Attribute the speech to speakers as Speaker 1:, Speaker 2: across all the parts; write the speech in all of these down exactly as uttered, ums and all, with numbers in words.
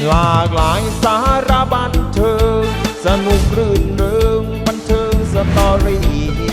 Speaker 1: หลากหลายสาระบันเทิงสนุกรื่นเริงบันเทิงสตอรี่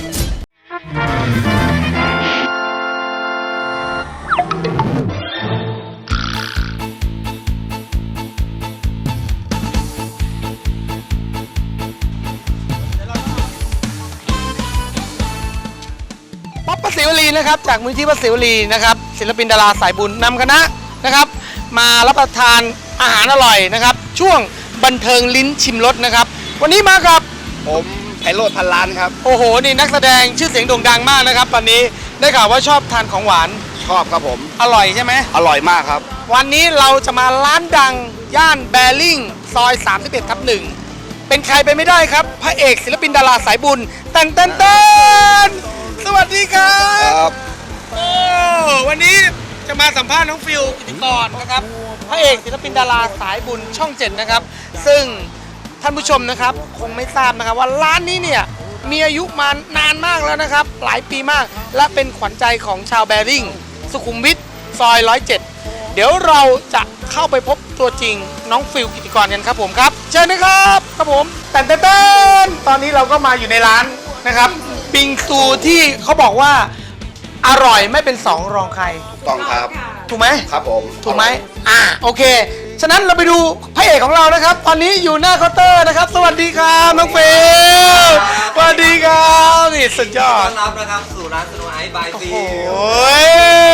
Speaker 2: ป๊อปป้าศิวลีนะครับจากมูลที่ป้าศิวลีนะครับศิลปินดาราสายบุญนำคณะนะครับมารับประทานอาหารอร่อยนะครับช่วงบันเทิงลิ้นชิมรสนะครับวันนี้มากับ
Speaker 3: ผมไพโรจน์พันล้านครับ
Speaker 2: โอ้โหนี่นักแสดงชื่อเสียงโด่งดังมากนะครับตอนนี้ได้ข่าวว่าชอบทานของหวาน
Speaker 3: ชอบครับผม
Speaker 2: อร่อยใช่ไหม
Speaker 3: อร่อยมากครับ
Speaker 2: วันนี้เราจะมาร้านดังย่านแบริ่งซอยสามสิบเอ็ดทับหนึ่งเป็นใครไปไม่ได้ครับพระเอกศิลปินดาราสายบุญเต้นเต้นเต้นสวัสดีครับโอ้วันนี้จะมาสัมภาษณ์น้องฟิลกิติกรนะครับพระเอกศิลปินดาราสายบุญช่องเจ็ดนะครับซึ่งท่านผู้ชมนะครับคงไม่ทราบนะครับว่าร้านนี้เนี่ยมีอายุมานานมากแล้วนะครับหลายปีมากและเป็นขวัญใจของชาวแบริ่งสุขุมวิทซอยร้อยเจ็ดเดี๋ยวเราจะเข้าไปพบตัวจริงน้องฟิลกิติกรกันครับผมครับเชิญนะครับครับผมแต่นเต้นตอนนี้เราก็มาอยู่ในร้านนะครับบิงซูที่เขาบอกว่าอร่อยไม่เป็นสองรองใคร
Speaker 3: ต้องครับ
Speaker 2: ถูกไหม
Speaker 3: ครับผม
Speaker 2: ถูกไหมอ่าโอเคฉะนั้นเราไปดูพระเอกของเรานะครับตอนนี้อยู่หน้าเคาน์เตอร์นะครับสวัสดีครับน้องฟิลสวัสดีครับนี่สุดยอด
Speaker 4: ต้อนรับนะครับสู่ร้านสโนว์ไอซ์บายฟิล
Speaker 2: โอ้ย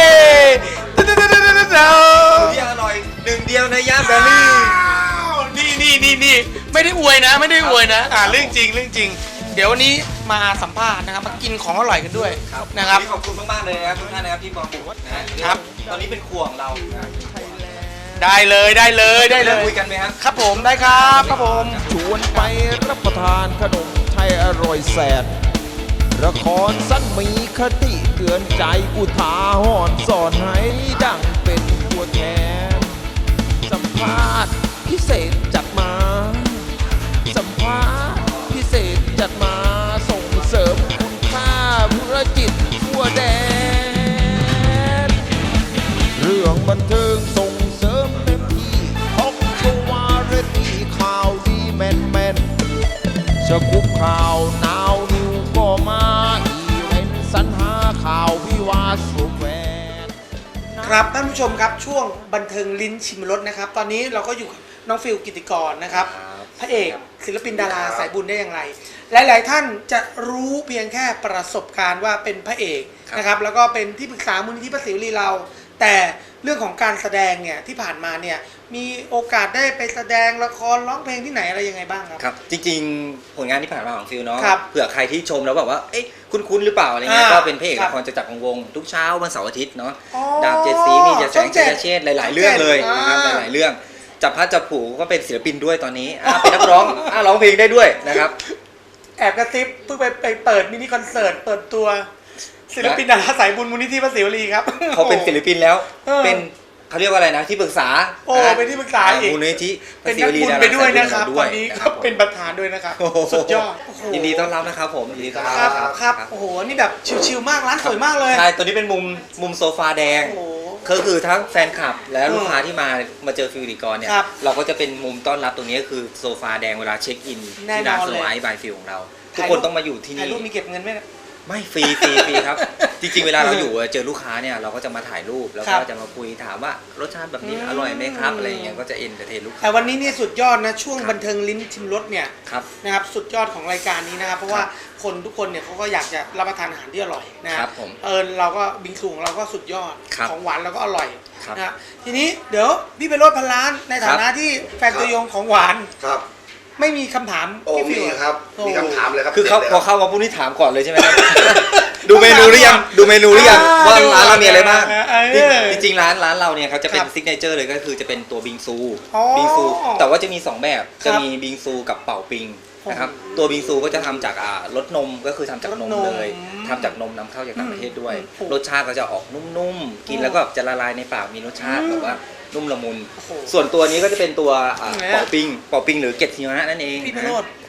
Speaker 4: ที่อร่อยหนึ่งเดียวในย่านแบริ่ง
Speaker 2: นี่นี่นี่นี่ไม่ได้อวยนะไม่ได้อวยนะอ่าเรื่องจริงเรื่องจริงเดี๋ยววันนี้มาสัมภาษณ์นะครับมากินของอร่อยกันด้วยนะครับ
Speaker 4: ขอบคุณมากๆเลยนะครับทุกท่านนะครับที่มาบุกนะครับตอนนี้เป็นครัวของเรา
Speaker 2: ได้เลยได้เลยได้เลย
Speaker 4: คุยกันไหมครับ
Speaker 2: ครับผมได้ครับครับผม
Speaker 1: ชวนไปรับประทานขนมไทยอร่อยแสนละครสั้นมีคติเตือนใจอุทาหรณ์สอนให้ดังเป็นตัวแทนสัมภาษณ์พิเศษจัดมาสัมภาษณ์พิเศษจัดมาส่งเสริมคุณค่าธุรกิจทั่วแดนเรื่องบันเทิงส่งเสริมเต็มที่ฮอกโกวาเรตีข่าวดีแมนแมนสกุปข่าวนาวนิวก็มาอีเวนต์สรรหาข่าววิวาสุแวน
Speaker 2: ครับท่านผู้ชมครับช่วงบันเทิงลิ้นชิมรสนะครับตอนนี้เราก็อยู่กับน้องฟิลกิติกรนะครับพระเอกศิลปินดาราสายบุญได้อย่างไรหลายๆท่านจะรู้เพียงแค่ประสบการณ์ว่าเป็นพระเอกนะครับแล้วก็เป็นที่ปรึกษามูลนิธิป้าศิวลีเราแต่เรื่องของการแสดงเนี่ยที่ผ่านมาเนี่ยมีโอกาสได้ไปแสดงละครร้องเพลงที่ไหนอะไรยังไงบ้างครับ
Speaker 4: ครับจริงๆผลงานที่ผ่านมาของฟิลเนาะเผื่อใครที่ชมแล้วแบบว่าเอ๊ะคุ้นๆหรือเปล่าอะไรเงี้ยก็เป็นพระเอกละครจะจักรวงทุกเช้าวันเสาร์อาทิตย์เนาะดาบเจ็ดสีมีเจ็ดแสงเจ็ดเชษหลายๆเรื่องเลยนะครับหลายๆเรื่องจับพัดจับผูก็เป็นศิลปินด้วยตอนนี้เป็นนักร้องร้องเพลงได้ด้วยนะครับ
Speaker 2: แอบกระซิบเพิ่งไปไปเปิดมินิคอนเสิร์ตเปิดตัวศิลปินดาราสายบุญมูลนิธิป้าศิวลีครับ
Speaker 4: เขาเป็นศิลปินแล้วเป็นเขาเรียกว่าอะไรนะที่ปรึกษา
Speaker 2: โอ้เป็นที่ปรึกษาอีก
Speaker 4: มูลนิธิ
Speaker 2: เป็นนักบุญไปด้วยนะครับตอนนี้ก็เป็นประธานด้วยนะครับสุดยอด
Speaker 4: ยินดีต้อนรับนะครับผมยินดีต้อน
Speaker 2: รับครับโอ้โหนี่แบบชิลๆมากร้านสวยมากเลย
Speaker 4: ใช่ตัวนี้เป็นมุมมุมโซฟาแดงก็คือทั้งแฟนคลับและลูกค้าที่มามาเจอฟิลกิติกรเนี่ยเราก็จะเป็นมุมต้อนรับตรงนี้ก็คือโซฟาแดงเวลาเช็คอินที่ร้านสโนว์ไอซ์บายฟิลของเราทุกคนต้องมาอยู่ที่นี่
Speaker 2: ถ่ายรูปมีเก็บเงินไหม
Speaker 4: ไม่ฟรีฟรีฟรีครับจริงๆเวลาเราอยู่เจอลูกค้าเนี่ยเราก็จะมาถ่ายรูปแล้วก็จะมาคุยถามว่ารสชาติแบบนี้อร่อยไหมครับอะไรอย่างเงี้ยก็จะเอ็นเตอร์เทนลูกค้า
Speaker 2: แต่วันนี้นี่สุดยอดนะช่วงบันเทิงลิ้นชิมรสเนี่ยนะครับสุดยอดของรายการนี้นะครับเพราะว่าคนทุกคนเนี่ยเขาก็อยากจะรับประทานอาหารที่อร่อยนะครับเออเราก็บิงซูของเราก็สุดยอดของหวานเราก็อร่อยนะทีนี้เดี๋ยวพี่ไปโรจน์พันล้านในฐานะที่แฟนตัวยงของหวาน
Speaker 3: ครับ
Speaker 2: ไม่มีคำถาม
Speaker 3: โอ้มีครับมีคำถามเลยครับ
Speaker 4: คือเขาพอเข้ามาพูดนี่ถามก่อนเลยใช่ไหมครับดูเมนูหรือยังดูเมนูหรือยังว่าร้านเรามีอะไรบ้างจริงๆร้านร้านเราเนี่ยเขาจะเป็นซิกเนเจอร์เลยก็คือจะเป็นตัวบิงซูบิงซูแต่ว่าจะมีสองแบบจะมีบิงซูกับเป่าปิงนะครับตัวบิงซูก็จะทำจากรสนมก็คือทำจากนมเลยทำจากนมนำเข้าจากต่างประเทศด้วยรสชาติก็จะออกนุ่มๆกินแล้วก็จะละลายในปากมีรสชาติแบบว่านุ่มละมุนส่วนตัวนี้ก็จะเป็นตัวเป่าปิงเป่าปิงหรือเกล็ดหิมะนั่นเอง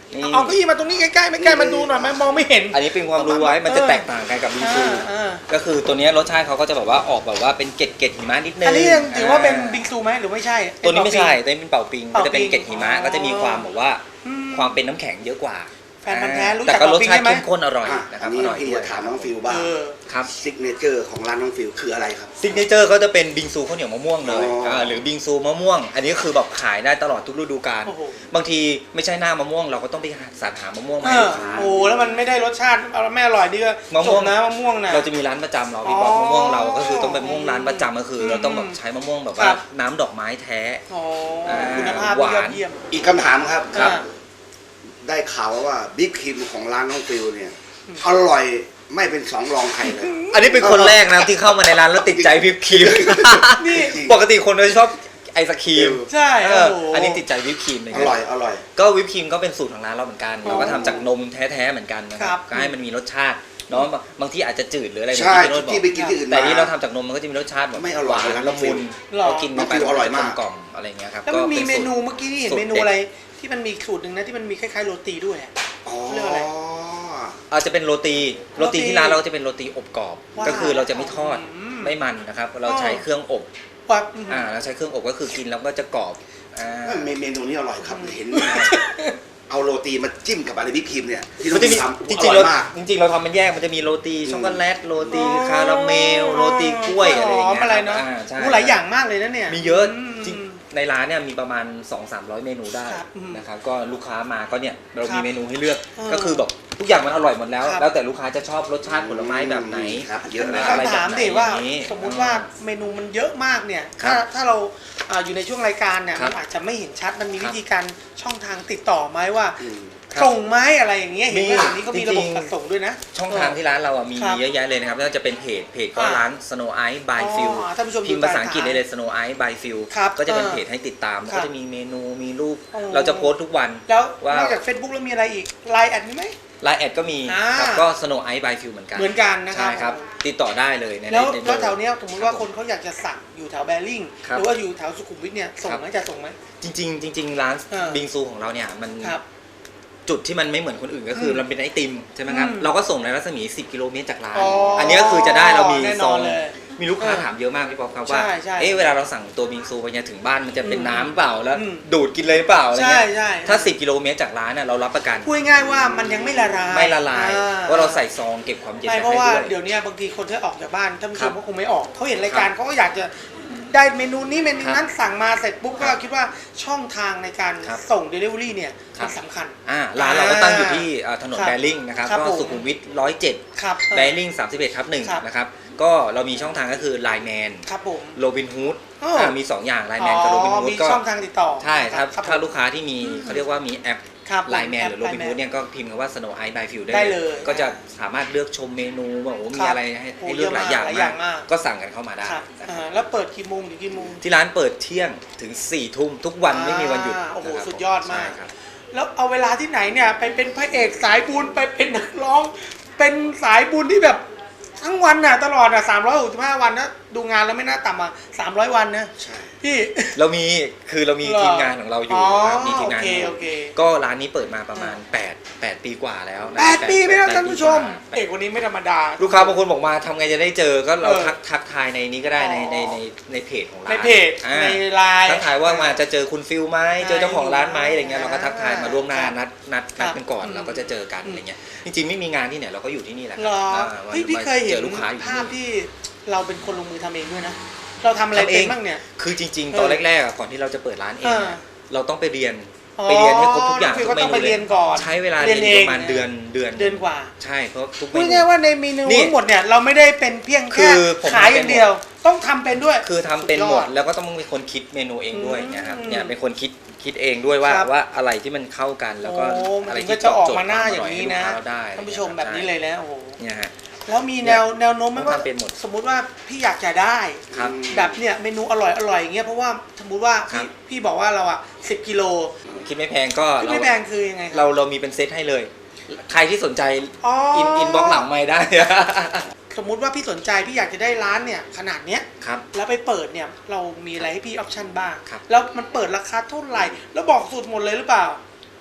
Speaker 4: นี่
Speaker 2: เอาเก้าอี้มาตรงนี้ใกล้ๆไม่ใกล้มาดูหน่อยไหมมองไม่เห็น
Speaker 4: อันนี้เป็นความรู้ไว้มันจะแตกต่างกันกับบิงซู
Speaker 2: อ่าอ่า
Speaker 4: ก็คือตัวเนี้ยรสชาติเขาก็จะแบบว่าออกแบบว่าเป็นเกล็ดเกล็ดหิมะนิดนึง
Speaker 2: อันนี้ยังถือว่าเป็นบิงซูไหมหรือไม่ใช่
Speaker 4: ตัวนี้ไม่ใช่ตัวนี้เป็นเป่าปิง
Speaker 2: เป่าปิง
Speaker 4: จะเป็นเกล็ดหิมะ
Speaker 2: อ๋อ
Speaker 4: ก็จะมีความแบบว่า
Speaker 2: อืม
Speaker 4: ความเป็นน้ำแข็งเยอะกว่า
Speaker 2: แฟนพันธุ์แท้รู้จัก
Speaker 4: แต่ก็รสชาติ
Speaker 2: เป่าปิงใช่ไหม
Speaker 4: เข้มข้นอร่อย
Speaker 3: อ่ะ
Speaker 4: นะค
Speaker 3: อั
Speaker 4: รับ
Speaker 3: นนี้
Speaker 4: อร่อย
Speaker 3: พี่
Speaker 4: ด้วย
Speaker 3: จะถามน้องฟิวบ้าง
Speaker 2: เออ
Speaker 4: ครับ
Speaker 3: ซิกเนเจอร์ของร้านน้องฟิวคืออะไรครับ
Speaker 4: ซิกเนเจอร์เขาจะเป็นบิงซูข้าวเหนียวมะม่วงเลย
Speaker 3: อ๋ออ่
Speaker 4: าหรือบิงซูมะม่วง อันนี้คือแบบขายได้ตลอดทุกฤดูกาล
Speaker 2: โอ้โห
Speaker 4: บางทีไม่ใช่หน้ามะม่วงเราก็ต้องไปสรรหามะม่วง
Speaker 2: เอ
Speaker 4: มาให้
Speaker 2: อ
Speaker 4: ลูกค้า
Speaker 2: โอ้แล้วมันไม่ได้รสชาติเอาไม่อร่อยดีก็
Speaker 4: มะม่วง
Speaker 2: จบนะมะม่วงนะ
Speaker 4: เราจะมีร้านประจำเราพี่บอก
Speaker 2: อ๋อ
Speaker 4: มะม่วงเราก็คือต้องเป็นมะม่วงร้านประจำก็คือ เราต้องแบบใช้มะม่วงแบบ
Speaker 2: ค
Speaker 4: ว่า
Speaker 2: รับ
Speaker 4: น้ำดอกไม้แท้
Speaker 2: อ๋อ
Speaker 4: อ่า
Speaker 2: คุณภาพ
Speaker 4: หวาน
Speaker 2: ยอดเยี่ยม
Speaker 3: อีกคำถามครับ
Speaker 2: ครับ
Speaker 3: ได้ข่าวว่าบิ๊กครีมของร้านน้องฟิวเนี่ยอร่อยไม่เป็นสองรองใครเลย
Speaker 4: อันนี้เป็นคนแรกนะที่เข้ามาในร้านแล้วติดใจวิปครีม
Speaker 2: นี่
Speaker 4: ปกติคนจะชอบไอศครีม
Speaker 2: ใช่
Speaker 4: เอ
Speaker 2: โอ้
Speaker 4: อ
Speaker 2: โห
Speaker 4: อันนี้ติดใจวิปครีมเลย
Speaker 3: อร่อยอร่อย
Speaker 4: ก็วิปครีมก็เป็นสูตรของร้านเราเหมือนกัน
Speaker 2: อ๋อ
Speaker 4: เราก็ทำจากนมแท้ๆเหมือนกันนะค
Speaker 2: ครั
Speaker 4: รับบ ก็ให้มันมีรสชาติเนาะบางที่อาจจะจืดหรืออะไร
Speaker 3: ใช่
Speaker 4: ที่พี่โรจน์บอก
Speaker 3: ที่ไปกินที่อื่น
Speaker 4: แต่
Speaker 3: มา
Speaker 4: นี่เราทำจากนมมันก็จะมีรสชาติแบบ
Speaker 3: ไม่อร่อย
Speaker 4: หวาน
Speaker 3: เลยนะ
Speaker 4: ละมุน
Speaker 2: หรอ
Speaker 4: เรากิน
Speaker 3: น้องฟิวอร่อยมาก
Speaker 4: กล่อมๆอะไรอย่างเงี้ยครับ
Speaker 2: แล้วมันมี
Speaker 4: ก็
Speaker 2: เม
Speaker 4: ป็สูตร
Speaker 2: นูเมื่อกี้นี่เห็น
Speaker 4: สูตร
Speaker 2: เมนู
Speaker 4: ด็ด
Speaker 2: อะไรที่มันมีสูตรหนึ่งนะที่มันมีคล้ายๆโรตีด้วยอะ
Speaker 3: อ๋อ
Speaker 2: เรียกอะไร
Speaker 4: อาจจะเป็นโรตีโรตี
Speaker 2: โรตี
Speaker 4: ที่ร้านเราจะเป็นโรตีอบกรอบ
Speaker 2: ว้าว
Speaker 4: ก็คือเราจะไม่ทอด
Speaker 2: อืม
Speaker 4: ไม่มันนะครับเราใช้เครื่องอบ
Speaker 2: ว่า
Speaker 4: อ่าเราใช้เครื่องอบก็คือกินแล้วก็จะกรอบอ่า
Speaker 3: เมเมนูนี้อร่อยครับเห็น เอาโรตีมาจิ้มกับอะไรบิ๊กครีมเนี่ยที่น้
Speaker 4: มั
Speaker 3: อน ง
Speaker 4: จะ
Speaker 3: ฟิ
Speaker 4: มี
Speaker 3: วทำ
Speaker 4: จ
Speaker 3: อ
Speaker 4: ริงๆ
Speaker 3: ร่อ
Speaker 4: เรา
Speaker 3: ยมาก
Speaker 4: จริงๆเราทำมันแยกมันจะมีโรตีช็อกโกแลตโรตีคาราเมลโรตีกล้วยอะไรอย่างเงี้ย
Speaker 2: หมอะไรเนาะ
Speaker 4: อ่าใช่
Speaker 2: โอ้หลายอย่างมากเลยนะเนี่ย
Speaker 4: มีเยอะ
Speaker 2: ม
Speaker 4: จริงในร้านเนี่ยมีประมาณ สองถึงสามร้อย เมนูได้
Speaker 2: ครับอืม
Speaker 4: นะครับก็ลูกค้ามาก็เนี่ยเรา
Speaker 2: ครั
Speaker 4: มี
Speaker 2: บ
Speaker 4: เมนูให้เลือก
Speaker 2: เออ
Speaker 4: ก็คือแบบทุกอย่างมันอร่อยหมดแล้ว
Speaker 2: ครับ
Speaker 4: แล้วแต่ลูกค้าจะชอบรสชาติผลไม้แบบไหน
Speaker 3: ครับเยอะ
Speaker 2: มี
Speaker 3: นะ
Speaker 4: อะไร
Speaker 2: คำถาม
Speaker 4: แบบไหน
Speaker 2: ดิว่า
Speaker 4: อย่างนี้
Speaker 2: สมมุติว่าเมนูมันเยอะมากเนี่ย
Speaker 4: ครั
Speaker 2: ถ้า
Speaker 4: บ
Speaker 2: ถ้าเราอ่าอยู่ในช่วงรายการเนี่ย
Speaker 4: ครั
Speaker 2: มั
Speaker 4: บ
Speaker 2: นอาจจะไม่เห็นชัดมันมี
Speaker 4: ครับ
Speaker 2: วิธีการช่องทางติดต่อไหมว่า
Speaker 3: อืม
Speaker 4: ครับ
Speaker 2: ส่งไหมอะไรอย่างเงี้ยเห็น
Speaker 4: มี
Speaker 2: ว่าเดี๋ยวนี้ก็มีระบบ
Speaker 4: จริงๆ
Speaker 2: จัดส่งด้วยนะ
Speaker 4: ช่องทางที่ร้านเราอ่ะมี
Speaker 2: ครับ
Speaker 4: เยอะแยะเลยนะครับไม่ว่าจะเป็นเพจเพจก็
Speaker 2: อ่า
Speaker 4: ร้าน Snow Ice by
Speaker 2: อ๋อ
Speaker 4: Phil
Speaker 2: ท่านผู้ชม
Speaker 4: พิมพ์
Speaker 2: ดู
Speaker 4: ภาษาอังกฤษ
Speaker 2: ตาม
Speaker 4: ได้เลย Snow Ice by Phil
Speaker 2: ครับ
Speaker 4: ก็จะเป็น
Speaker 2: เออ
Speaker 4: เพจให้ติดตาม
Speaker 2: ครับ
Speaker 4: ก็จะมีเมนูมีรูป
Speaker 2: โอ้
Speaker 4: เราจะโพสต์ทุกวัน
Speaker 2: แล้ว
Speaker 4: ว่า
Speaker 2: นอกจาก Facebook แล้วมีอะไรอีกไลน์แอดมีไหม
Speaker 4: ไลน์แอดก็มี
Speaker 2: อ่า
Speaker 4: ครับก็ Snow Ice by Phil เหมือนกัน
Speaker 2: เหมือนกันนะครับ
Speaker 4: ใช่ครับ ติดต่อได้เลยใน
Speaker 2: แล้ว
Speaker 4: ใน
Speaker 2: แล้วแถวเนี้ยสมมติว่า
Speaker 4: รับ
Speaker 2: คนเขาอยากจะสั่งอยู่แถวแบริ่ง
Speaker 4: ครับ
Speaker 2: หรือว่าอยู่แถวสุขุมวิทเนี่ยส่ง
Speaker 4: ครับ
Speaker 2: ไหมจะส่งไหม
Speaker 4: จริงๆจริงๆร้าน
Speaker 2: เออ
Speaker 4: บิงซูของเราเนี่ยมัน
Speaker 2: ครับ
Speaker 4: จุดที่มันไม่เหมือนคนอื่นก็คืออ
Speaker 2: ม
Speaker 4: เราเป็นไอติมใช่ไหมครับ
Speaker 2: อืม
Speaker 4: เราก็ส่งในรัศมี สิบ กิโลเมตรจากร้าน
Speaker 2: อ๋ออั
Speaker 4: อันนี้ก็คือจะได้เรามี
Speaker 2: แน่น
Speaker 4: ซ
Speaker 2: อ
Speaker 4: อน ง
Speaker 2: เลย
Speaker 4: มีลูกค้า
Speaker 2: เออ
Speaker 4: ถามเยอะมากพี่ป๊อปครับว่า
Speaker 2: ใช่ใช่
Speaker 4: เอ๊ะเวลาเราสั่งตัวบิงซูไปเนี่ยถึงบ้านมันจะเป็น
Speaker 2: อืม
Speaker 4: น้ำเปล่าแล้ว
Speaker 2: อืม
Speaker 4: ดูดกินเลยเปล่าอะไร
Speaker 2: ใช่
Speaker 4: เงี้ย
Speaker 2: ใช่
Speaker 4: ถ้า สิบ กิโลเมตรจากร้านน่ะเรารับประกัน
Speaker 2: พูดง่ายๆว่ามันยังไม่ละลาย
Speaker 4: ไม่ละลาย
Speaker 2: อ่
Speaker 4: ว่าเราใส่ซองเก็บความเย็น
Speaker 2: ไม่
Speaker 4: ไว้
Speaker 2: เพราะ
Speaker 4: ให้
Speaker 2: ว่า
Speaker 4: ด้วย
Speaker 2: เดี๋ยวนี้บางทีคนที่ออกจากบ้านท่านผู้ช
Speaker 4: ครั
Speaker 2: ม
Speaker 4: บ
Speaker 2: ก็คงไม่ออกเขาเห็นรายการเขาก็อยากจะได้เมนูนี้เมนูนั้นสั่งมาเสร็จปุ๊บก็คิดว่าช่องทางในการ
Speaker 4: ครับ
Speaker 2: ส่ง Delivery เนี่ย
Speaker 4: ครับ
Speaker 2: มันสำคัญ
Speaker 4: อ่าร้านเราก็ตั้งอยู่ที่อ่าถนน
Speaker 2: ครับ
Speaker 4: แบริ่งนะครับ
Speaker 2: ครับ
Speaker 4: ก็
Speaker 2: ผม
Speaker 4: สุขุมวิทร้อยเจ็ด
Speaker 2: ครับ
Speaker 4: แบริ่งสามสิบเอ็ดทับหนึ่ง
Speaker 2: ครับ
Speaker 4: นะครับก็เรามีช่องทางก็คือ ไลน์ แมน
Speaker 2: ครับผม
Speaker 4: โรบินฮูด
Speaker 2: อ้อ
Speaker 4: มีสองอย่าง ไลน์ แมนกับโรบินฮูด
Speaker 2: มี
Speaker 4: ก็
Speaker 2: ช่องทางติดต่อ
Speaker 4: ใช่ถ้า
Speaker 2: ครับ
Speaker 4: ถ้าลูกค้าที่มีเขาเรียกว่ามีแอป
Speaker 2: ครับ
Speaker 4: ไลน์แมน
Speaker 2: แอป
Speaker 4: หรือโรบินฮูด
Speaker 2: Line Man
Speaker 4: เนี่ยก็พิมพ์คำว่า Snow Ice by Phil ได้
Speaker 2: ได้เลย
Speaker 4: ก็จะสามารถเลือกชมเมนูว่าโอ้โหมี
Speaker 2: ครับ
Speaker 4: อะไรให้
Speaker 2: โอ้
Speaker 4: ให้เลือกหลายอย่าง
Speaker 2: เยอะมากหลายอย่างมาก
Speaker 4: ก็สั่งกันเข้ามาได้
Speaker 2: ครับ
Speaker 4: นะค
Speaker 2: อ่า
Speaker 4: รับ
Speaker 2: แล้วเปิดกี่โมงถึงกี่โมง
Speaker 4: ที่ร้านเปิดเที่ยงถึงสี่ทุ่มทุกวันไม่มีวันหยุด
Speaker 2: อ่าโอ้โห
Speaker 4: นะครับ
Speaker 2: สุดยอดมาก
Speaker 4: ใช่ครับ
Speaker 2: แล้วเอาเวลาที่ไหนเนี่ยไปเป็นพระเอกสายบุญไปเป็นนักร้อง เป็นสายบุญที่แบบทั้งวันน่ะตลอดอ่ะสามร้อยหกสิบห้าวันนะดูงานแล้วไม่น่าต่ำอ่ะสามร้อยวันนะ
Speaker 3: ใช่
Speaker 2: พี่
Speaker 4: เรามีคือเรามี
Speaker 2: เหรอ
Speaker 4: ทีมงานของเราอยู่
Speaker 2: อ๋อ
Speaker 4: ครับมีทีมงาน
Speaker 2: โอเค
Speaker 4: อยู่
Speaker 2: โอเค
Speaker 4: ก็ร้านนี้เปิดมาประมาณแปด แปดปีกว่าแล้วนะ
Speaker 2: แปดปีไหมนะ
Speaker 4: แป
Speaker 2: ท่านผู้ชม
Speaker 4: ปีกว่า
Speaker 2: เอกคนนี้ไม่ธรรมดา
Speaker 4: ลูกค้าบางคนบอกมาทำไงจะได้เจอก็เรา
Speaker 2: เออ
Speaker 4: ทักทักทายในนี้ก็ได้ใน
Speaker 2: อ๋อ
Speaker 4: ในในในเพจของร้าน
Speaker 2: ในเพจ
Speaker 4: อ่า
Speaker 2: ในไลน์
Speaker 4: ทักทายว่ามาจะเจอคุณฟิลไหมเจอเจ้าของร้านไหม
Speaker 2: ใช่
Speaker 4: อะไรเงี้ยเราก็ทักทายมาล่วงหน้า
Speaker 2: ครับ
Speaker 4: นัดนัด
Speaker 2: ครั
Speaker 4: นั
Speaker 2: บ
Speaker 4: ดกันก่อน
Speaker 2: อืม
Speaker 4: เราก็จะเจอกัน
Speaker 2: อืม
Speaker 4: อะไรเงี้ยจริงๆไม่มีงานที่ไหนเราก็อยู่ที่นี่แหละ
Speaker 2: เหรอ
Speaker 4: อ่าวัน
Speaker 2: เฮ้ยพี่เคยเห็น
Speaker 4: เจอลูกค้าอยู่ที่
Speaker 2: ภาพ
Speaker 4: นี่
Speaker 2: ที่เราเป็นคนลงมือทำเองด้วยนะ เราทำอะไร
Speaker 4: ทำเอ
Speaker 2: เป็น
Speaker 4: ง
Speaker 2: บ้างเนี่ย
Speaker 4: คือจริง
Speaker 2: เออ
Speaker 4: ๆตอนแรกๆอ่ะก่อนที่เราจะเปิดร้านเอง
Speaker 2: เออ
Speaker 4: อ่ะเราต้องไปเรียน
Speaker 2: อ๋อ
Speaker 4: ไปเรียนให้ครบทุกอย่าง
Speaker 2: พี่
Speaker 4: ทุ
Speaker 2: ก็
Speaker 4: กเม
Speaker 2: ต้อง
Speaker 4: นู
Speaker 2: ไปเรียนก่อน
Speaker 4: ใช้เวลา
Speaker 2: เรี
Speaker 4: เรี
Speaker 2: ย
Speaker 4: ย
Speaker 2: น
Speaker 4: น
Speaker 2: เอง
Speaker 4: ประมาณเดือนเดือน
Speaker 2: เดือนกว่า
Speaker 4: ใช่เพราะทุกเม
Speaker 2: พูด
Speaker 4: นู
Speaker 2: ง่ายๆว่าในเมนู
Speaker 4: นี่
Speaker 2: ทั้งหมดเนี่ยเราไม่ได้เป็นเพียง
Speaker 4: คื
Speaker 2: แค่
Speaker 4: อผม
Speaker 2: ขาย
Speaker 4: ทำ
Speaker 2: อ
Speaker 4: เป็น
Speaker 2: ย่างเดียว ต้องทำเป็นด้วย
Speaker 4: คือทำเป็นหมด
Speaker 2: สุยอ
Speaker 4: แล้วก็ต้องเป็นคนคิดเมนูเองด้วย
Speaker 2: อืม
Speaker 4: เนี่ยครับเนี่ยเป็นคนคิดคิดเองด้วยว่า
Speaker 2: ครับ
Speaker 4: ว่าอะไรที่มันเข้ากันแล้วก็
Speaker 2: โอ้
Speaker 4: อะไร
Speaker 2: มัน
Speaker 4: ที่
Speaker 2: ก็จะออก
Speaker 4: ตบโจท
Speaker 2: มา
Speaker 4: ย์
Speaker 2: หน้า
Speaker 4: คว
Speaker 2: อย่างนี้นะ
Speaker 4: ให้ลูกค้าได้
Speaker 2: ท่านผู้ชมแบบนี้เลยแล้วโอ้โห
Speaker 4: เนี่ยฮะ
Speaker 2: แล้วมีแนวแนวโน้มไหมว่า
Speaker 4: ทำเป็นหมด
Speaker 2: สมมุติว่าพี่อยากจะได้
Speaker 4: ครับ
Speaker 2: แบบเนี่ยเมนูอร่อยอร่อยอย่างเงี้ยเพราะว่าสมมุติว่า
Speaker 4: ครั
Speaker 2: พี่
Speaker 4: บ
Speaker 2: พี่บอกว่าเราอ่ะสิบกิโล
Speaker 4: คิดไม่แพงก็
Speaker 2: พี่
Speaker 4: เรา
Speaker 2: ไม่แพงคือยังไงค
Speaker 4: เรา
Speaker 2: รับ
Speaker 4: เรามีเป็นเซตให้เลย ใครที่สนใจ
Speaker 2: อ๋ออิ
Speaker 4: อินอินบ็อกหลังไม่ได้
Speaker 2: สมมุติว่าพี่สนใจพี่อยากจะได้ร้านเนี่ยขนาดเนี้ย
Speaker 4: ครับ
Speaker 2: แล้วไปเปิดเนี่ยเรามีอะไรให้พี่ออปชั่นบ้าง
Speaker 4: ครับ
Speaker 2: แล้วมันเปิดราคาเท่าไหร่ แล้วบอกสูตรหมดเลยหรือเปล่า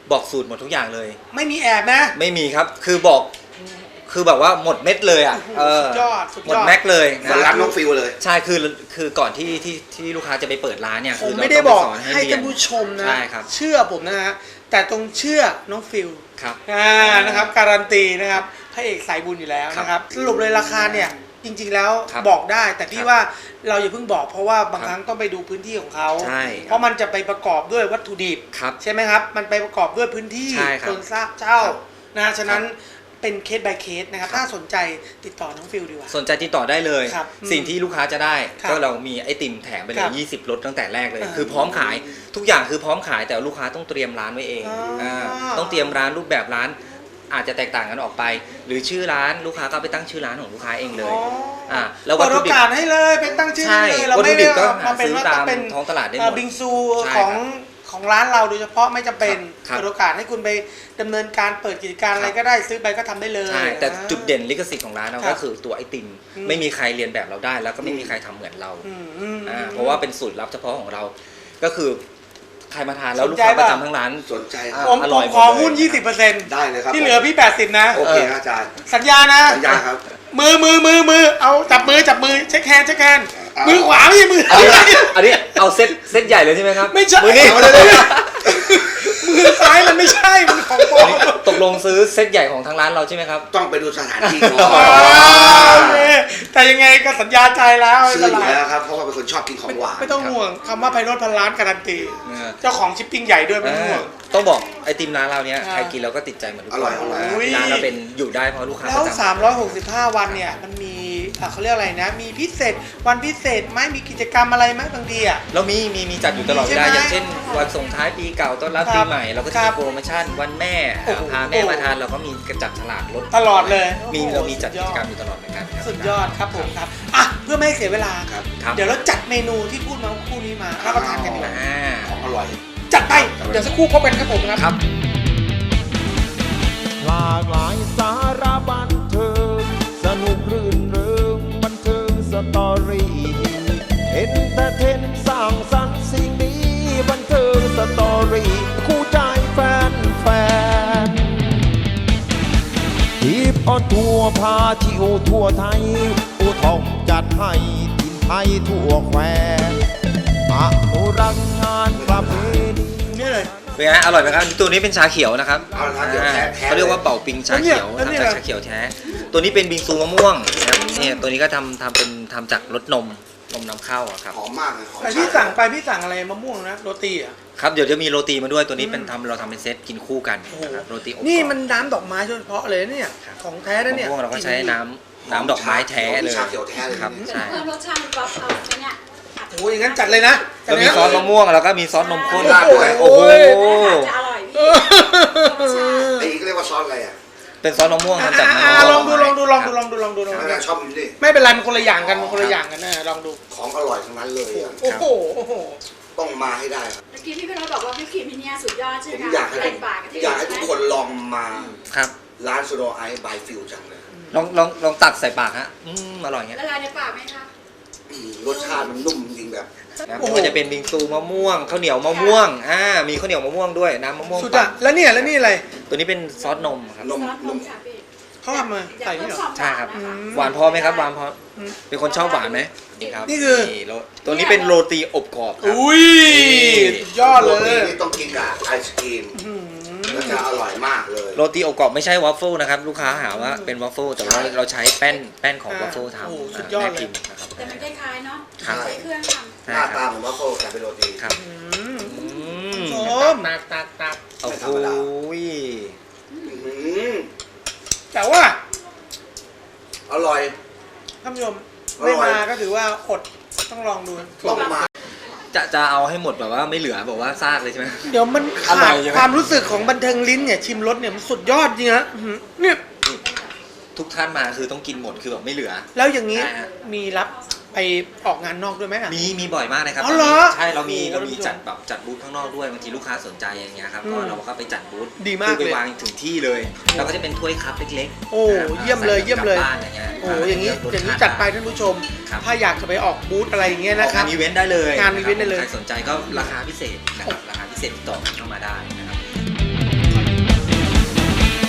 Speaker 4: บอกสูตรหมดทุกอย่างเลย
Speaker 2: ไม่มีแอบนะ
Speaker 4: ไม่มีครับคือบอกคือแบบว่าหมดเม็ดเลยอ่ะเออ
Speaker 2: สุดยอดสุด
Speaker 4: หม
Speaker 2: ย
Speaker 4: ด
Speaker 2: อด
Speaker 4: แม็กเลย
Speaker 3: เห
Speaker 4: นะ
Speaker 3: มือนร้านน้องฟิลเลย
Speaker 4: ใช่คือคือก่อนที่ที่ที่ลูกค้าจะไปเปิดร้านเนี่ย
Speaker 2: ผ
Speaker 4: คื
Speaker 2: ม
Speaker 4: เรา
Speaker 2: ไม่ได้
Speaker 4: ต้ง
Speaker 2: บอก
Speaker 4: สน
Speaker 2: ให้
Speaker 4: เรีย
Speaker 2: ท่านผู้ชมนะ
Speaker 4: ใช่ครับ
Speaker 2: เชื่อผมนะฮะแต่ตรงเชื่อน้องฟิล
Speaker 4: ครับ
Speaker 2: อ่านะครับการันตีนะครับพระเอกสายบุญอยู่แล้ว
Speaker 4: ครับ
Speaker 2: นะครับสรุปเลยราคาเนี่ยจริงๆแล้ว
Speaker 4: ครับ
Speaker 2: บอกได้ แต่พี่
Speaker 4: ครับ
Speaker 2: ว่าเราอย่าเพิ่งบอกเพราะว่าบาง
Speaker 4: ครับ
Speaker 2: ครั้งต้องไปดูพื้นที่ของเขา
Speaker 4: ใช่
Speaker 2: เพราะมันจะไปประกอบด้วยวัตถุดิบ
Speaker 4: ครับ
Speaker 2: ใช่ไหมครับมันไปประกอบด้วยพื้นที่
Speaker 4: ใช่ครับ
Speaker 2: คนทราบเช่า
Speaker 4: ครับ
Speaker 2: นะฉะนั้นเป็นเคส by เคสนะครับถ้าสนใจติดต่อน้องฟิลดีกว่า
Speaker 4: สนใจติดต่อได้เลย
Speaker 2: ครับ
Speaker 4: สิ่งที่ลูกค้าจะได้
Speaker 2: ครับ
Speaker 4: ก็เรามีไอติมแถมไปเล
Speaker 2: ครั
Speaker 4: ย
Speaker 2: บ
Speaker 4: ยี่สิบรถตั้งแต่แรกเลย
Speaker 2: อ่า
Speaker 4: คือพร้อมขายทุกอย่างคือพร้อมขายแต่ลูกค้าต้องเตรียมร้านไว้เอง
Speaker 2: อ๋ออ่
Speaker 4: าต้องเตรียมร้านรูปแบบร้านอาจจะแตกต่างกันออกไป หรือชื่อร้านลูกค้าก็ไปตั้งชื่อร้านของลูกค้าเองเลย
Speaker 2: อ๋ออ่
Speaker 4: าแล้ววัต
Speaker 2: เปิด
Speaker 4: ถุ
Speaker 2: โอ
Speaker 4: ดิบ
Speaker 2: กาสให้เลยเป็นตั้งชื่อ
Speaker 4: ใช่
Speaker 2: เลยเรา
Speaker 4: วัต
Speaker 2: ไม่
Speaker 4: ถุดิ
Speaker 2: ได้
Speaker 4: บก็
Speaker 2: มาเป็น
Speaker 4: ซื้อ
Speaker 2: ว่า
Speaker 4: ตา
Speaker 2: ต้อ
Speaker 4: ม
Speaker 2: งเป็น
Speaker 4: ท้องตลาดได้หม
Speaker 2: เอ่อ
Speaker 4: ด
Speaker 2: บิงซู
Speaker 4: ใช่
Speaker 2: ของ
Speaker 4: ครับ
Speaker 2: ของร้านเราโดยเฉพาะไม่จำเป็น
Speaker 4: ครับ
Speaker 2: เปิดโอกาสให้คุณไปดำเนินการเปิดกิจการอะไรก็ได้ซื้อไปก็ทำได้เลย
Speaker 4: ใช่แต่
Speaker 2: อ่า
Speaker 4: จุดเด่นลิขสิทธิ์ของร้านเรา
Speaker 2: ครับ
Speaker 4: ก็คือตัวไอติม
Speaker 2: อืม
Speaker 4: ไม่มีใครเรียนแบบเราได้ แล้วก็ไม่มีใครทำเหมือนเรา
Speaker 2: อืมอืม
Speaker 4: อ่า
Speaker 2: อืม
Speaker 4: เพราะว่าเป็นสูตรลับเฉพาะของเรา ก็คือใครมาทานแล้ว
Speaker 2: สน
Speaker 4: ลูก
Speaker 2: ใจ
Speaker 4: ค้าประ
Speaker 2: ป่ะ
Speaker 4: จำทั้งร้าน
Speaker 3: สนใจค
Speaker 4: อ่า
Speaker 3: รับ
Speaker 2: ผม
Speaker 4: อ
Speaker 2: ผ
Speaker 4: ร่อย
Speaker 2: ม
Speaker 4: หมด
Speaker 2: ขอ
Speaker 4: เลย
Speaker 2: หุ้น ยี่สิบเปอร์เซ็นต์
Speaker 3: ได้เลยครับ
Speaker 2: ที่เหลือพี่ แปดสิบ นะ
Speaker 3: โอเคครับอาจารย์
Speaker 2: สัญญานะ
Speaker 3: สัญญาครับ
Speaker 2: มือมือมือมือเอาจับมือจับมือเช็คแฮนด์เช็คแฮนด์
Speaker 3: เอามื
Speaker 2: มือขวาไม่ใช่มือ
Speaker 4: อันนี้อันนี้เอาเซตเซตใหญ่เลยใช่ไหมครับ
Speaker 2: ไม่ใช่
Speaker 4: มือนี้
Speaker 3: เอาเลยเลย
Speaker 2: มือซ้ายมันไม่ใช่มันของปลอม
Speaker 4: ตกลงซื้อเซตใหญ่ของทางร้านเราใช่ไหมครับ
Speaker 3: ต้องไปดูสถานที่ก่อ
Speaker 2: อ๋อน โอเคแต่ยังไงก็สัญญาใจแล้วไม่
Speaker 3: ซื้อ
Speaker 2: เป็น
Speaker 3: อยู่
Speaker 2: ไร
Speaker 3: แล้วครับ เพราะว่าเป็นคนชอบกินของหวาน
Speaker 2: ไม่ต้องห่วงคำว่าไพโรจน์พันล้านการันตี
Speaker 4: เออ
Speaker 2: เจ้าของชิปปิ้งใหญ่ด้วยไม่ต้องห่วง
Speaker 4: ต้องบอกไอติมร้านเราเนี้ย
Speaker 2: อ่า
Speaker 4: ใครกินเราก็ติดใจเหมือนทุก
Speaker 3: อ
Speaker 4: คน
Speaker 3: ร่อยอร่อย
Speaker 2: อุ้ย
Speaker 4: ร้านเราเป็นอยู่ได้เพราะลูกค้า
Speaker 2: แล้
Speaker 4: ป
Speaker 2: ว
Speaker 4: ระจำ
Speaker 2: สามร้อยหกสิบห้า วันเนี่ยมันมีอ่ะเขาเรียกอะไรนะ มีพิเศษวันพิเศษไหมมีกิจกรรมอะไรไหมบางทีอ่ะ
Speaker 4: เรามีมีมีจัดอยู่ตลอดเวลา
Speaker 2: ใช่ไหม
Speaker 4: อย่างเช่นวันส่งท้ายปีเก่าต้อนรับ
Speaker 2: ครั
Speaker 4: ปี
Speaker 2: บ
Speaker 4: ใหม่เราก็
Speaker 2: ค
Speaker 4: จะ
Speaker 2: รั
Speaker 4: มี
Speaker 2: บ
Speaker 4: โปรโมชั่นวันแม่
Speaker 2: โอ้โห
Speaker 4: พาแม่มาทานเราก็มีกระจัดฉลากลด
Speaker 2: ตลอดเลย
Speaker 4: มี
Speaker 2: โอ้โห
Speaker 4: เรามีจัด
Speaker 2: สุ
Speaker 4: กิจกรรม
Speaker 2: ย
Speaker 4: อยู่ตลอดเหมือนกันครับ
Speaker 2: สุดยอดครับผมครับอ่ะเพื่อไม่ให้เสียเวลา
Speaker 3: ครับ
Speaker 4: ครับ
Speaker 2: เดี๋ยวเราจัดเมนูที่พูดมาคู่นี้มารับประทานกันดีกว่า
Speaker 4: อ่า
Speaker 3: ของอร่อย
Speaker 2: จัดไปเดี๋ยวสักครู่พบกันครับผมครับ
Speaker 4: ครับ
Speaker 1: หลากหลายสาระบันเทิงสนุกรื่นเริงบันเทิงสตอรี่เอนเตอร์เทนสร้างสรรค์สิ่งนี้บันเทิงสตอรี่คู่ใจแฟนแฟนทีปออนทัวร์พาชิวทั่วไทยอูทองจัดให้ทินไทยทั่วแควอนุรักษ์งานประเพณี
Speaker 2: นี่เลย
Speaker 4: เป็นไงอร่อยไหมครับตัวนี้เป็นชาเขียวนะครับ
Speaker 3: เอาละครับเดี๋ยวแท้แท้
Speaker 4: เขาเรียกว่าเป่าปิงชาเขียว
Speaker 2: แล้วเนี่ย
Speaker 4: ทำจากชาเขียวแท้ ตัวนี้เป็นบิงซูมะม่วงนะครับเนี่ยตัวนี้ก็ทำทำเป็นทำจากรสนมนมนำเข้าอะครับ
Speaker 3: หอมมากเลยหอม
Speaker 2: แต่พี่สั่งไปพี่สั่งอะไรมะม่วงนะโรตีอ่ะ
Speaker 4: ครับเดี๋ยวจะมีโรตีมาด้วยตัวนี้เป็นทำเราทำเป็นเซตกินคู่กัน
Speaker 2: โอ้โห
Speaker 4: นะครับโรตีอบกรอบ
Speaker 2: นี่มันน้ำดอกไม้โดยเฉพาะเลยเนี่ยของแท้นะเนี่ย
Speaker 4: มะม่วงเราก็ใช้น้ำน้ำดอกไม้แท้เลย
Speaker 3: ชาเขียวแท้เลย
Speaker 4: ครับใช่
Speaker 5: เพิ่มรสชาติกรอบเอาไปเนี่ย
Speaker 2: โอ้ยอย่างนั้นจัดเลยนะจัด
Speaker 4: แล้ว
Speaker 2: เลย
Speaker 4: มี
Speaker 2: นะ
Speaker 4: ซอสมะม่วงแล้วก็มีซอสนมข้น
Speaker 2: โอ้โห
Speaker 4: ด้วยโอ้โห
Speaker 5: จะอร่อย
Speaker 2: เอ
Speaker 5: พี่
Speaker 2: อ
Speaker 3: ไอ้นี่ก็เรียกว่าซอสอะไรอ่ะ
Speaker 4: เป็นซอสมะม่วง
Speaker 2: อ่ะ
Speaker 4: ทำจาก
Speaker 2: อ่ะ
Speaker 4: มะม่วง
Speaker 2: ลองดูลองดูลองดูลองดูลองดูลอง
Speaker 3: ไม่
Speaker 2: ดู
Speaker 3: ได้ชอบอยู่ดิ
Speaker 2: ไม่เป็นไรมันคนละอย่างกันมันคนละอย่างกันนะลองดู
Speaker 3: ของอร่อยทั้งนั้นเลยอะ
Speaker 2: โอ้โหโอ้โห
Speaker 3: ต้องมาให้ได้ครับ
Speaker 5: เมื่อกี้พี่พี่เราบอกว่าพี่ครีมที่เนี่ยสุดยอดใช่
Speaker 3: ผ
Speaker 5: ไห
Speaker 3: ม
Speaker 5: ม
Speaker 3: อยากให้
Speaker 5: แตกปากกันที่
Speaker 3: อยากให้
Speaker 5: ใช่
Speaker 3: ทุก
Speaker 5: ไหม
Speaker 3: คนลองมา
Speaker 2: ครับ
Speaker 3: ร้านสโนไอซ์บายฟิลจังเลย
Speaker 4: ลองลองลองตักใส่ปากฮะอืมอร่อยเงี้ย
Speaker 5: ละลายในปากไหมคะ
Speaker 3: อืมรสชาติมันนุ่มจริงแบบ
Speaker 4: นะ
Speaker 2: โอ้โห
Speaker 4: ไม่ว่าจะเป็นบิงซูมะม่วงข้าวเหนียวมะม่วงอ่ามีข้าวเหนียวมะม่วงด้วยน้ำมะม่วง
Speaker 2: สุด
Speaker 4: ปั่
Speaker 2: อ่ะ
Speaker 4: น
Speaker 2: แล้วเนี่ยแล้วนี่อะไร
Speaker 4: ตัวนี้เป็นซอสนมครับ
Speaker 3: นม
Speaker 5: ซอสน
Speaker 3: น
Speaker 5: ม
Speaker 3: ม
Speaker 5: ค่ะพี่
Speaker 2: เขาทำมาใส่นี่เหรอ
Speaker 4: ใช่ครับ
Speaker 5: อยากเพิ่ม
Speaker 4: หวานพอไหมครับหวานพอ
Speaker 2: อืม
Speaker 4: เป็นคนชอบหวานไหมนี่ครับ
Speaker 2: นี่คือ
Speaker 4: โรตัวนี้เป็นโรตีอบกรอบครับ
Speaker 2: อุ้ยสุดยอดเล
Speaker 3: โรตี
Speaker 2: ย
Speaker 3: นี่ต้องกินกับไอศครีม
Speaker 2: อืม
Speaker 3: แล้วจะอร่อยมากเลย
Speaker 4: โรตีอบกรอบไม่ใช่วอฟเฟิลนะครับลูกค้าหาว่าเป็นวอฟเฟิลแต่ว่าเราใช้แป้นแป้นของวอฟเฟิลทำ
Speaker 2: โอ้โหสุ
Speaker 4: อ่า
Speaker 2: ดยอด
Speaker 4: แม่
Speaker 2: เลย
Speaker 4: พิมพ์นะครับ
Speaker 5: แต่มันคล้ายๆเนาะ
Speaker 4: ครับ
Speaker 5: ใช้เครื่องท
Speaker 3: หน้าตาเหมือนวัฟเฟิลแต่เป็นโรตี
Speaker 4: ครับ
Speaker 2: อืม
Speaker 4: อืม
Speaker 2: โอ้ตักตักตัก
Speaker 4: โอ้โห
Speaker 3: อื้อหือ
Speaker 2: แต่ว่า
Speaker 3: อร่อย
Speaker 2: ท่านผู้ชม
Speaker 3: อร่อย
Speaker 2: ไม่มาก็ถือว่าอดต้องลองดู
Speaker 3: ต้องมา
Speaker 4: จะจะเอาให้หมดแบบว่าไม่เหลือแบบว่าซากเลยใช่ไหม
Speaker 2: เดี๋ยวมัน
Speaker 4: อ
Speaker 2: ขา
Speaker 4: ร่อ
Speaker 2: ด
Speaker 4: ยใช่ไหม
Speaker 2: ความรู้สึกของบันเทิงลิ้นเนี่ยชิมรสเนี่ยมันสุดยอดจริงฮะอื้อหือเนี่ย
Speaker 4: ทุกท่านมาคือต้องกินหมดคือแบบไม่เหลือ
Speaker 2: แล้วอย่างนี้
Speaker 4: ใช่ฮะ
Speaker 2: มีรับไปออกงานนอกด้วยไหมอ่ะ
Speaker 4: มีมีบ่อยมากนะครับ
Speaker 2: อ๋อเหรอ
Speaker 4: ใช่เรามี
Speaker 2: โอ้โห
Speaker 4: เรามีจัดแบบจัดบูธข้างนอกด้วยบางทีลูกค้าสนใจอย่างเงี้ยครับ
Speaker 2: อืม
Speaker 4: ก็เราก็ไปจัดบูธ
Speaker 2: ดีมาก
Speaker 4: คือไป
Speaker 2: เลย
Speaker 4: วางถึงที่เลยเราก็จะเป็นถ้วยคัพเล็กๆ
Speaker 2: โอ้
Speaker 4: นะครับ
Speaker 2: เยี่ยมเลย
Speaker 4: ใส่
Speaker 2: เยี่ยมเลย
Speaker 4: กบบ้านอย่างเงี้ย
Speaker 2: โอ้อย่างนี้
Speaker 4: รส
Speaker 2: อย่างนี้
Speaker 4: ชติ
Speaker 2: จัดไปท่านผู้ชม
Speaker 4: ครับ
Speaker 2: ถ้าอยากจะไปออกบูธอะไรอย่างเงี้ย
Speaker 4: อ
Speaker 2: นะ
Speaker 4: อก
Speaker 2: ครั
Speaker 4: งา
Speaker 2: บ
Speaker 4: นอีเวนต์ได้เลย
Speaker 2: งานอีเวนต์ได้เลย
Speaker 4: ใครสนใจก็ราคาพิเศษนะครับราคาพิเศษติดต่อเข้ามาได้นะครับ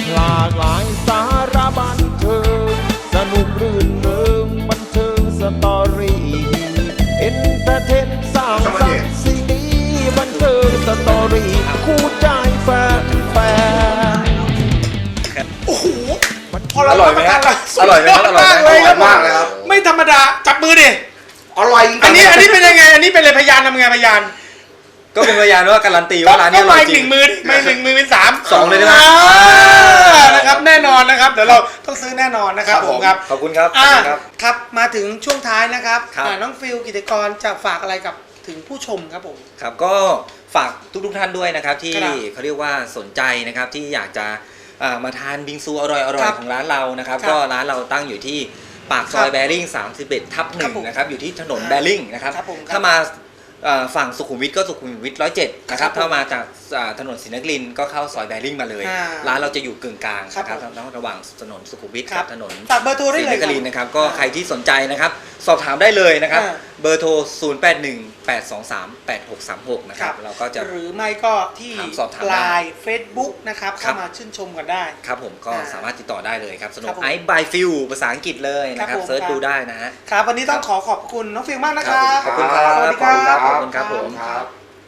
Speaker 1: หลากหลายสาระบันเทิงสนุกรื่นเริงบันเทิงสตอรี่เอนเตอร์เทนสร้างสรรค์สิ่งดีบันเทิงสตอรี่คู่ใจแฟนแฟน
Speaker 2: โอ้โหพอเรา
Speaker 4: อร่อยไหม
Speaker 2: ทาน
Speaker 4: ฮะ
Speaker 2: แล้ว
Speaker 4: อร่อยไหม
Speaker 2: สุด
Speaker 4: อร่อยไหม
Speaker 2: มากเลยครับ
Speaker 3: อร่อยมากเลยครับ
Speaker 2: ไม่ธรรมดาจับมือดิ
Speaker 3: อร่อยจริงๆ
Speaker 2: อันนี้อันนี้เป็นยังไงอันนี้เป็นเลยพยานทำไงพยาน
Speaker 4: ก็เป็นพยานว่าการันตีว่าร้านนี้อร่อยจ
Speaker 2: ห
Speaker 4: ริ
Speaker 2: นึ่
Speaker 4: ง
Speaker 2: งมือดิไม่หนึ่งมือเป็นสาม
Speaker 4: สองเลยได้ไหม
Speaker 2: อ่านะครับแน่นอนนะครับเดี๋ยวเราต้องซื้อแน่นอนนะครับผมครับ
Speaker 4: ขอบคุณครับขอบ
Speaker 2: อ่า
Speaker 4: คุณครับ
Speaker 2: ครับมาถึงช่วงท้ายนะครับ
Speaker 4: ครับ
Speaker 2: อ่าน้องฟิลกิตกรจะฝากอะไรกับถึงผู้ชมครับผม
Speaker 4: ครับก็ฝากทุกๆท่านด้วยนะครับที่
Speaker 2: ครับ
Speaker 4: เขาเรียกว่าสนใจนะครับที่อยากจะอ่ามาทานบิงซูอร่อย
Speaker 2: ค
Speaker 4: ๆ
Speaker 2: รับ
Speaker 4: ของร้านเรานะครับ
Speaker 2: ครับ
Speaker 4: ก็ร้านเราตั้งอยู่ที่ปากซอ
Speaker 2: ค
Speaker 4: ย
Speaker 2: รับ
Speaker 4: แบริ่งสามสิบเอ็ดทับห
Speaker 2: ครั
Speaker 4: นึ่
Speaker 2: บ
Speaker 4: ง
Speaker 2: ผม
Speaker 4: นะครับอยู่ที่ถนน
Speaker 2: อ่า
Speaker 4: แบริ่งนะครับ
Speaker 2: ครับผมครับ
Speaker 4: ถ้ามาอ่าฝั่งสุขุมวิทก็สุขุมวิทร้อยเจ็ดนะครับ
Speaker 2: ครับผม
Speaker 4: ถ้ามาจากอ่าถนนศรีนครินทร์ก็เข้าซอยแบริ่งมาเลย
Speaker 2: อ่า
Speaker 4: ร้านเราจะอยู่กึ่งกลาง
Speaker 2: ครับ
Speaker 4: นะครับ
Speaker 2: ผม
Speaker 4: ระหว่างถนนสุขุมวิท
Speaker 2: ครั
Speaker 4: กั
Speaker 2: บบ
Speaker 4: ถนน
Speaker 2: ฝากเบอร์โทรได้
Speaker 4: ศรี
Speaker 2: เล
Speaker 4: น
Speaker 2: ย
Speaker 4: ค
Speaker 2: ครับ
Speaker 4: รินทร์นะครับก็ใครที่สนใจนะครับสอบถามได้เลยนะครับ
Speaker 2: อ่า
Speaker 4: เบอร์โทร ศูนย์ แปด หนึ่ง แปด สอง สาม แปด หก สาม หก นะครับเราก็จะ
Speaker 2: หรือไม่ก็ที่
Speaker 4: ถามสอบถามได้
Speaker 2: ไลน์เฟซบุ๊กนะครับ
Speaker 4: ครั
Speaker 2: เข้า
Speaker 4: บ
Speaker 2: มาชื่นชมกันได้
Speaker 4: ครับผมก็
Speaker 2: อ่า
Speaker 4: สามารถติดต่อได้เลยครับสโน
Speaker 2: ครับผม
Speaker 4: ไอซ์บายฟิลภาษาอังกฤษเลยนะค
Speaker 2: ครั
Speaker 4: รั
Speaker 2: บบ ผม
Speaker 4: เซิร์ช
Speaker 2: ครับ
Speaker 4: ดูได้นะฮะ
Speaker 2: ครับวันนี้ต้องขอขอบคุณน้องฟิลมากนะครับ
Speaker 4: ขอบคุณครับ
Speaker 2: สวัสดีครับ
Speaker 4: ขอบคุณครับผม
Speaker 3: ครับ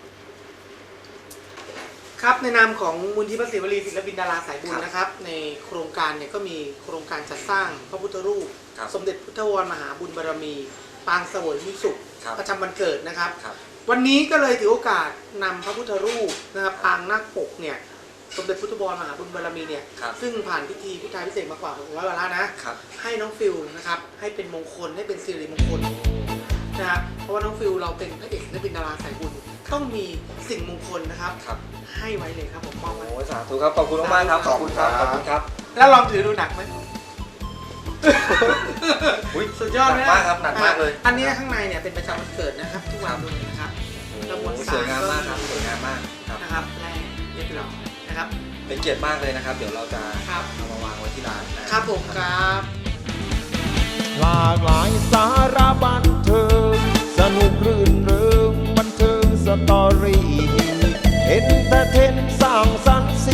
Speaker 2: ครับในนามของมูลที่พระศิวลีศิลปินดาราสายบุญนะครับ ในโครงการเนี่ยก็มีโครงการจัดสร้างพระพุทธรูป
Speaker 4: ครับ
Speaker 2: สมเด็จพุทธวรมหาบุญบารมี ปางเสวยมิสุข
Speaker 4: ครับ
Speaker 2: ประจำวันเกิดนะครับ
Speaker 4: ครับ
Speaker 2: วันนี้ก็เลยถือโอกาสนำพระพุทธรูปนะครับปางนาคปกเนี่ยสมเด็จพุทธวรมหาบุญบารมีเนี่ย
Speaker 4: ครับ
Speaker 2: ซึ่งผ่านพิธีพุทธาพิเศษกมากว่าหกร้อยวาระนะครับ ให้น้องฟิลนะครับให้เป็นมงคลให้เป็นสิริมงคลนะครับเพราะว่าน้องฟิลเราเป็นพระเอกศิลปินดาราสายบุญต้องมีสิ่งมงคลนะครับ
Speaker 4: ครับ
Speaker 2: ให้ไว้เลยครับผมมอบไว้
Speaker 4: โอ้ยสาธุครับขอบคุณมากๆครับขอบคุณครับขอบคุณครับ
Speaker 2: แล้วลองถือดูหนักไหม
Speaker 4: อุ๊ย
Speaker 2: สุดยอด
Speaker 4: หนักมากครับหนักมากเลย
Speaker 2: อันนี้ข้างในเนี่ยเป็นประจำวันเกิดนะครับ ทุกวันเลยนะครับ
Speaker 4: โอ้
Speaker 2: แล้วมวล
Speaker 4: โห
Speaker 2: สาร
Speaker 4: สวยงามมากครับสวยงามมากครับ
Speaker 2: นะครับแรกเรียบร้อยนะครับ
Speaker 4: เป็นเกียรติมากเลยนะครับ เดี๋ยวเราจะ
Speaker 2: ครับ
Speaker 4: เอามาวางไว้ที่ร้านนะครับ
Speaker 2: ผมครับ
Speaker 1: หลากหลายสาระบันเทิงสนุกรื่นเริงบันเทิงสตอรี่เอนเตอร์เทนสร้างสรรค์